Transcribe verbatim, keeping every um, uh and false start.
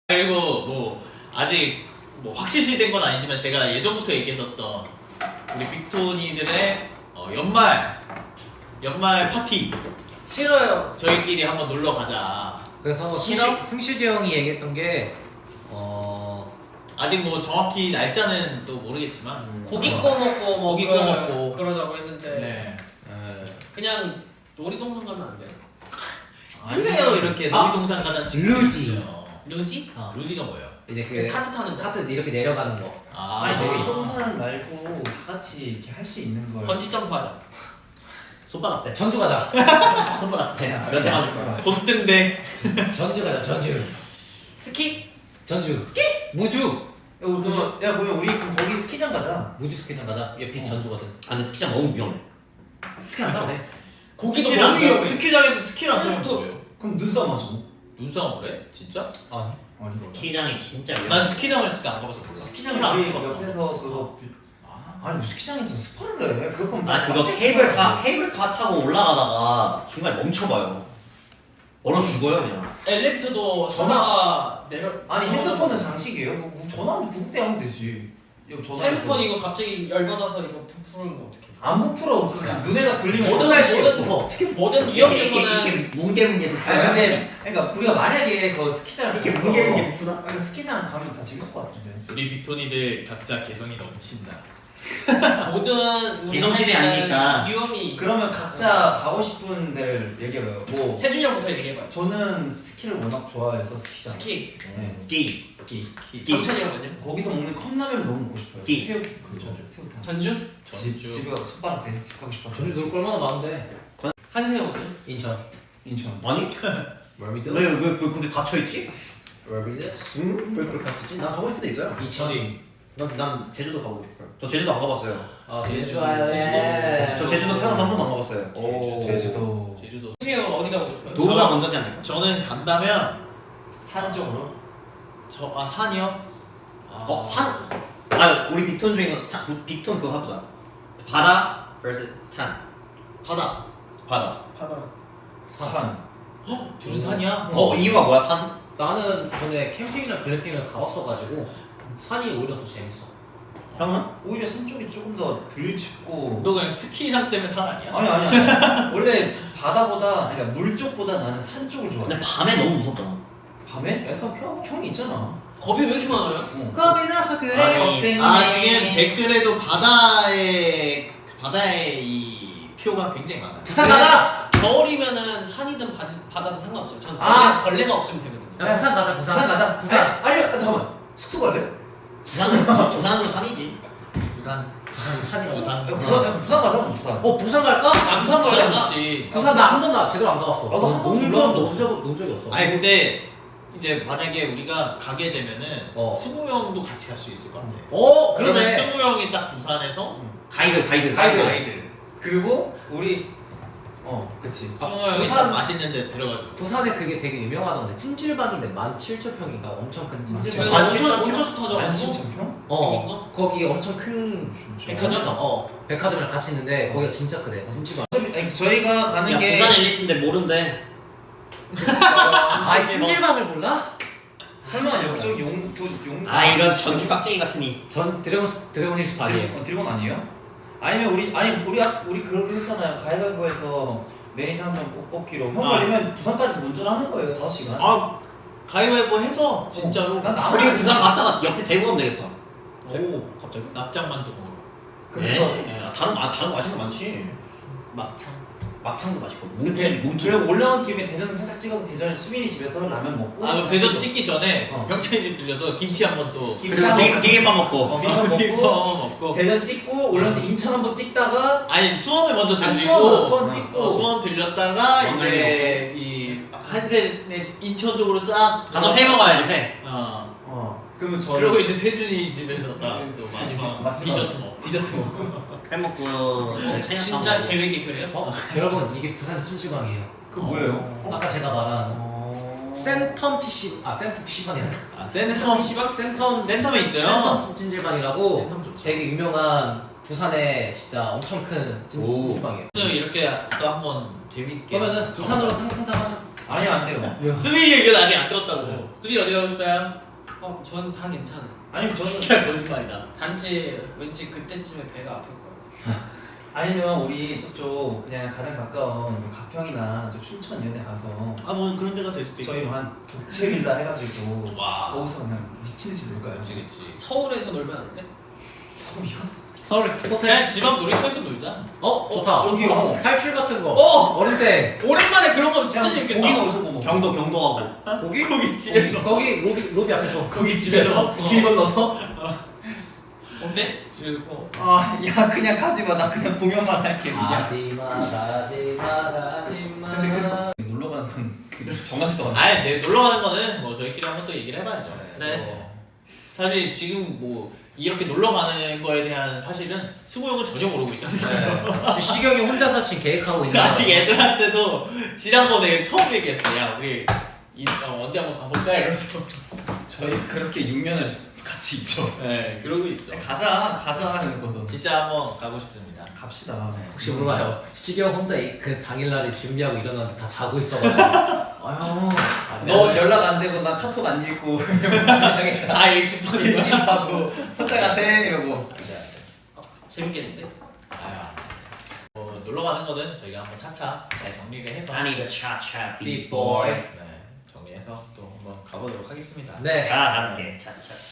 그리고 뭐 아직 뭐 확실시된 건 아니지만 제가 예전부터 얘기했었던 우리 빅토니들의 어, 연말 연말 파티 싫어요. 저희끼리 한번 놀러 가자. 그래서 싫어? 승시, 승식이 형이 얘기했던 게 어... 아직 뭐 정확히 날짜는 또 모르겠지만 음, 고기 어, 구워 먹고 뭐 고기 그러- 구워 먹고. 그러자고 했는데 네. 에... 그냥 놀이동산 가면 안 돼요? 아니래요 이렇게 아, 놀이동산 가자는 루지. 루지? 어, 루지가 뭐예요? 이제 그 카트 타는 거. 카트 이렇게 내려가는 거. 아, 아니 네. 놀이동산 말고 다 같이 이렇게 할 수 있는 걸. 번지 점프 하자. 손바닥 대. 전주 가자. 손바닥 대. 몇대 맞을 거야. 손등대. 전주 가자. 전주. 스키? 전주. 스키? 무주. 야, 우리 그럼 야 그러면 우리 그럼 거기 스키장 가자. 무주 스키장 가자. 옆이 어. 전주거든. 아 근데 스키장 너무 위험해. 스키 안 타도 돼. 고기도 스키를 안 너무 타고 위험해. 스키장에서 스키를 안 타면 또- 뭐예요? 그럼 눈싸움 하자고. 눈싸움을 해? 진짜? 아니. 아니 스키장이 진짜 위험해. 난 스키장을 진짜 안 가봐서 몰라. 스키장 안 우리 가봤어. 옆에서 그거 아, 아니 뭐 스키장에서 스파를 해. 그럴 거면 아 그거 케이블카 케이블카 타고 올라가다가 중간에 멈춰봐요. 얼어 죽어요 그냥. 엘리베이터도 전화가 내려. 아니 핸드폰은 장식이에요. 뭐 전화하면 구급대 하면 되지. 이거 전화. 핸드폰 이거 갑자기 열받아서 이거 부풀는 거 어떡해? 안 부풀어. 그냥 눈에다 굴리면 모든 어떡할 모든 어. 모든 이게 위험에서는 뭉게뭉게 아니 부풀어요. 근데 그러니까 우리가 만약에 그 스키장을 이렇게 갔어. 뭉게뭉게 부풀어? 아니 스키장 가면 다 재밌을 것 같은데. 우리 빅토니들 각자 개성이 넘친다. 모든 우리 개성시대 삶에는 아니니까. 위험이. 그러면 각자 가고 싶은 데를 얘기해봐요. 뭐 세준이 형부터 얘기해봐요. 저는 스키를 워낙 좋아해서 스키장. 스키. 네. 스키. 스키. 스키. 영찬이 형은요? 거기서 먹는 컵라면 너무 먹고 싶어요. 스키. 새우 그 전주 새우탕. 전주? 집 전주. 집에 가서 손바닥 대 집 가고 싶어서. 전주 놀 거 얼마나 많은데. 한세형은요? 인천. 인천. 아니 월미드. 왜왜 왜 거기 갇혀 있지? 월미드. 응? 왜 그렇게 하시지? 난 가고 싶은 데 있어요. 인천. 난, 난 제주도 가고 싶어요. 저 제주도 안 가봤어요. 아 제주도. 제주 아일랜드. 저 제주도 태어나서 한 번도 안 가봤어요. 오. 제주도. 제주도. 한세형 어디 가고 싶어요? 도우가 먼저지 않을까? 저는 간다면 산 쪽으로. 저 아 산이요? 아, 어 산. 아 우리 빅톤 중에 산 부- 빅톤 그거 해보자. 바다 vs 산. 바다. 바다. 바다. 산. 산. 헉, 둘은 산이야? 어 이유가 뭐야 산? 나는 전에 캠핑이나 글램핑을 가봤어가지고 산이 오히려 더 재밌어. 형은? 오히려 산 쪽이 조금 더 덜 춥고. 너 그냥 스키장 때문에 산 아니야? 아니 아니 아니. 원래 바다보다 그러니까 물 쪽보다 나는 산 쪽을 좋아해. 근데 밤에 너무 무섭잖아. 밤에? 일단 켜. 형이 있잖아. 겁이 왜 이렇게 많아요? 어. 겁이 나서 아니, 겁쟁이. 아 지금 댓글에도 바다의 바다의 이 표가 굉장히 많아요. 부산 가자. 겨울이면은 산이든 바, 바다든 상관없어요. 전 벌레, 아! 벌레가 없으면 되거든요. 야 부산 가자. 부산. 부산 가자. 부산. 아니, 아니 아, 잠깐만. 숙소 갈래? 부산은 부산도 산이지. 부산. 부산 산이라고. 부산. 야, 부산 부산 가자. 부산. 어 부산 갈까? 아, 부산 가자. 그렇지. 부산 나 한 번도 제대로 안 가봤어. 나도 한 번도 농 놀러본 적 적 논 적, 논 적이 없어. 아니 근데 이제 만약에 우리가 가게 되면은 어. 승우 형도 같이 갈 수 있을 것 같아. 어 그러면 그러네. 승우 형이 딱 부산에서 가이드 가이드. 가이드. 가이드. 그리고 우리 어 그치. 승우 형이 부산- 딱 맛있는 데 들어가지고. 부산에 그게 되게 유명하던데 찜질방인데 만 칠천 평인가 엄청 큰 찜질방. 만 원천 칠천 원천수 타죠. 만 칠천 평? 어 거기 엄청 큰 백화점? 찜질방. 어 백화점이랑 같이 있는데 거기가 진짜 크대 찜질방. 아니, 저희가 가는 야 게 부산 앨리스인데 모른대. 아이 찜질방을 몰라? 설마 여기저기 용, 도, 용 아 이런 전주 깍쟁이 같으니. 전 드래곤 드래곤 힐스 반이에요. 드래곤, 어, 드래곤 아니에요? 아니면 우리 아니 우리 아- 우리 그렇게 했잖아요. 가위바위보에서 매니저 한 명 뽑기로 형 아. 걸리면 부산까지 운전하는 거예요. 다섯 시간. 아 가위바위보 해서 진짜로. 난 나. 우리 부산 갔다가 옆에 대구 가면 되겠다. 오 갑자기 납작만두 먹으러. 그래서 예, 다른 아 다른 거 맛있는 거 많지. 막창. 막창도 맛있고 대, 뭉치 뭉치. 그리고 올라온 김에 대전 살짝 찍어서 대전에 수빈이 집에서 라면 먹고. 아 그럼 대전 찍기 전에 어. 병찬이 집 들려서 김치 한번 또. 김치 그리고 한번 되게 되게밥 먹고. 어, 비빔밥 먹고 비빔밥 먹고. 대전 찍고 올라와서 인천 한번 찍다가 아니 수원을 먼저 아, 들리고 수원, 수원 찍고. 어, 수원 들렸다가 왕갈비 이제 이 한세네 인천 쪽으로 싹 가서 회 먹어야지 회. 어. 어 그러면 저 그리고 이제 세준이 집에서 싹또 마지막 마지막. 디저트 먹 디저트 먹고. 회 먹고 이제 차이나타운 진짜 먹고. 계획이 그래요? 어 여러분 이게 부산 찜질방이에요. 그 뭐예요? 아까 제가 말한 어... 센텀 피시 아 센텀 피시방이라. 아 센텀 센텀 피시방 센텀 센텀에 있어요. 센텀 찜질방이라고 센텀 좋죠. 되게 유명한 부산에 진짜 엄청 큰 오. 찜질방이에요. 이렇게 또 한번 재밌게. 그러면은 부산으로 탕탕탕 하자. 아니 안 돼요. 수빈이 얘기는 아직 안 들었다고. 수빈이 어디 가고 싶어요? 어, 저는 다 괜찮아요. 아니 저는 진짜 거짓말이다. 단지 왠지 그때쯤에 배가 아플 거예요. 아니면 우리 저쪽 그냥 가장 가까운 뭐 가평이나 저 춘천 이런 데 가서 아 뭐 그런 데가 될 수도 있고. 저희 한 독채 빌라 해가지고 와. 거기서 그냥 미친 듯이 놀까요? 그치 그치. 서울에서 놀면 안 돼? 서울이요? 서울 호텔. 그냥 집 앞 놀이터에서 놀자. 어 좋다. 저기요. 탈출 같은 거. 어! 어릴 때 오랜만에 그런 거 진짜 재밌겠다. 고기는 어디서 구워 먹어? 경도 경도하고. 거기 거기 집에서. 거기 로비 로비 앞에서 거기 집에서 길 건너서. 어때? 집에서 꼭. 아, 야 그냥 가지 마. 나 그냥 보면만 할게. 그냥. 가지마 가지마 가지마. 근데 그 놀러 가는 건 그 정하지도 않아. 아니 내 놀러 가는 거는 뭐 저희끼리 한번 또 얘기를 해봐야죠. 네. 뭐 사실 지금 뭐 이렇게 놀러 가는 거에 대한 사실은 승우 형은 전혀 모르고 있잖아요. 네. 시경이 혼자서 지금 계획하고 있는 아직 거. 애들한테도 지난번에 처음 얘기했어. 야 우리 이, 어, 언제 한번 가볼까 이러면서. 저희 그렇게 육 년을 같이 있죠. 네 그러고 있죠. 가자 가자 하는 거서. 진짜 한번 가고 싶습니다. 갑시다. 혹시 몰라요. 시경 혼자 이- 그 당일날에 준비하고 일어났는데 다 자고 있어가지고. 아유. 너 연락 안 되고 나 카톡 안 읽고 당했다. 아 일찍 보내. 일식하고 혼자 가세 이러고. 재밌겠는데? 아유. 뭐 놀러 가는 거는 저희가 한번 차차 잘 정리를 해서. I need a cha-cha Big boy. 네 정리해서 또 한번 가보도록 하겠습니다. 네. 다 함께 차차.